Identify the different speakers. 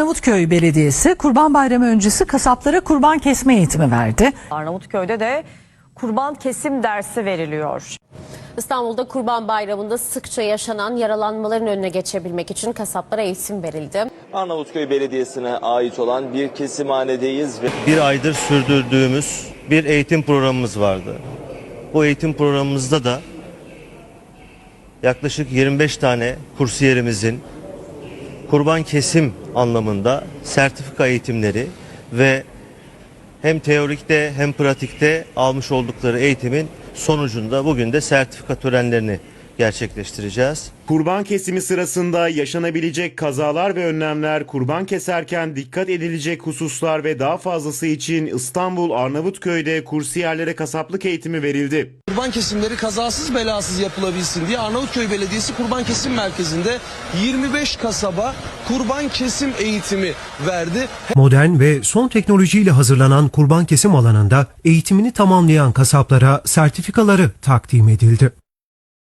Speaker 1: Arnavutköy Belediyesi Kurban Bayramı öncesi kasaplara kurban kesme eğitimi verdi.
Speaker 2: Arnavutköy'de de kurban kesim dersi veriliyor.
Speaker 3: İstanbul'da Kurban Bayramı'nda sıkça yaşanan yaralanmaların önüne geçebilmek için kasaplara eğitim verildi.
Speaker 4: Arnavutköy Belediyesi'ne ait olan bir kesimhanedeyiz ve
Speaker 5: Bir aydır sürdürdüğümüz bir eğitim programımız vardı. Bu eğitim programımızda da yaklaşık 25 tane kursiyerimizin kurban kesim anlamında sertifika eğitimleri ve hem teorikte hem pratikte almış oldukları eğitimin sonucunda bugün de sertifika törenlerini gerçekleştireceğiz.
Speaker 6: Kurban kesimi sırasında yaşanabilecek kazalar ve önlemler, kurban keserken dikkat edilecek hususlar ve daha fazlası için İstanbul Arnavutköy'de kursiyerlere kasaplık eğitimi verildi.
Speaker 7: Kurban kesimleri kazasız belasız yapılabilsin diye Arnavutköy Belediyesi Kurban Kesim Merkezi'nde 25 kasaba kurban kesim eğitimi verdi.
Speaker 8: Modern ve son teknolojiyle hazırlanan kurban kesim alanında eğitimini tamamlayan kasaplara sertifikaları takdim edildi.